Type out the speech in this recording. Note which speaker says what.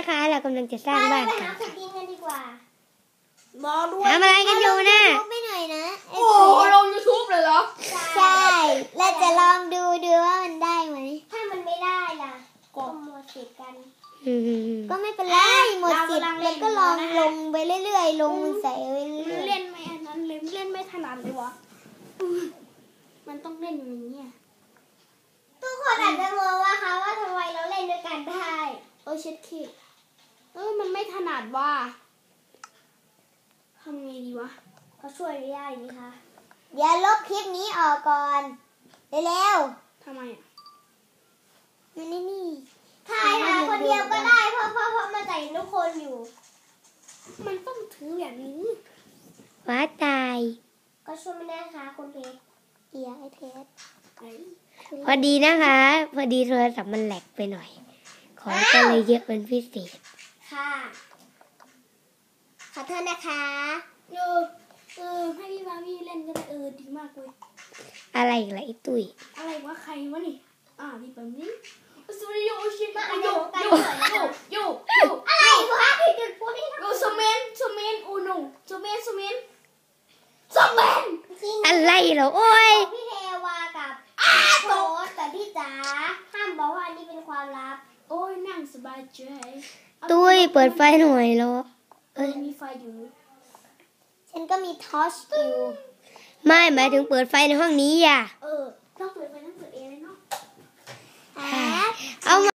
Speaker 1: นะคะเรากำลังจะสร้างบ้านกัน
Speaker 2: ขุดดินกันดีกว่า
Speaker 1: ทำอะไรกันอยู่นะ
Speaker 2: ไม่หน่อยนะ
Speaker 3: โอ้ลง YouTube เลยเหรอ
Speaker 2: ใช่เราจะลองดูว่ามันได้ไหมถ้ามันไม่ได้ล่ะก็หมดสิทธิ์กันก็ไม่เป็นไรหมดสิทธิ์แล้วก็ลองลงไปเรื่อยๆลงใส่ไปเรื่อยๆ
Speaker 3: เล่นไม่อันนั้นเล่นไม่ถนัดเลยวะมันต้องเล่นอย่างนี้
Speaker 2: ทุกคนอาจจะงงว่าคะว่าทำไมเราเล่นด้วยกันได้
Speaker 3: เช็ดขี้มันไม่ถนัดว่าทำไงดีวะ
Speaker 2: เขาช่วยไม่ได้นี่คะอย่าลบคลิปนี้ออกก่อนเร็ว
Speaker 3: ทำไม
Speaker 2: มันนี่ถ่ายหาคนเดียวก็ได้เพราะมาใส่ทุกคนอยู่
Speaker 3: มันต้องถือแบบนี้
Speaker 1: ว้าตาย
Speaker 2: ก็ช่วยไม่ได้ค่ะคุณเพชรไอเพชร
Speaker 1: พอดีนะคะพอดีโทรศัพท์มันแหลกไปหน่อยของก็เลยเยอะเป็นพิเศษ
Speaker 2: ค่ะขอโทษนะคะ
Speaker 3: ให้พี่บาพี่เล่นก็ได้ดีมากเลย
Speaker 1: อะไรอีกล่ะไอ้ตุ้ย
Speaker 3: อะไรวะใครวะนี่พี่ปั๊มนี่สุริโยชิมาโย
Speaker 2: อะไรวะพี่จุดพูดให้
Speaker 3: โยสเมนอูโนสเมน
Speaker 1: อะไรเหรอโอ้ย
Speaker 2: พี่เทวากับโตแต่พี่จ๋าห้ามบอกว่าอันนี้เป็นความลับ
Speaker 3: โอ้ยนั่งสบายใจ
Speaker 1: ตุ้ยเปิดไฟหน่อยเหรอ
Speaker 3: มีไฟอยู่
Speaker 2: ฉันก็มีทอร์ชอยู่
Speaker 1: ไม่หมายถึงเปิดไฟในห้องนี้อ่ะ
Speaker 3: ต้องเปิดไฟต้องเปิดเองเลยเนาะ
Speaker 1: เอา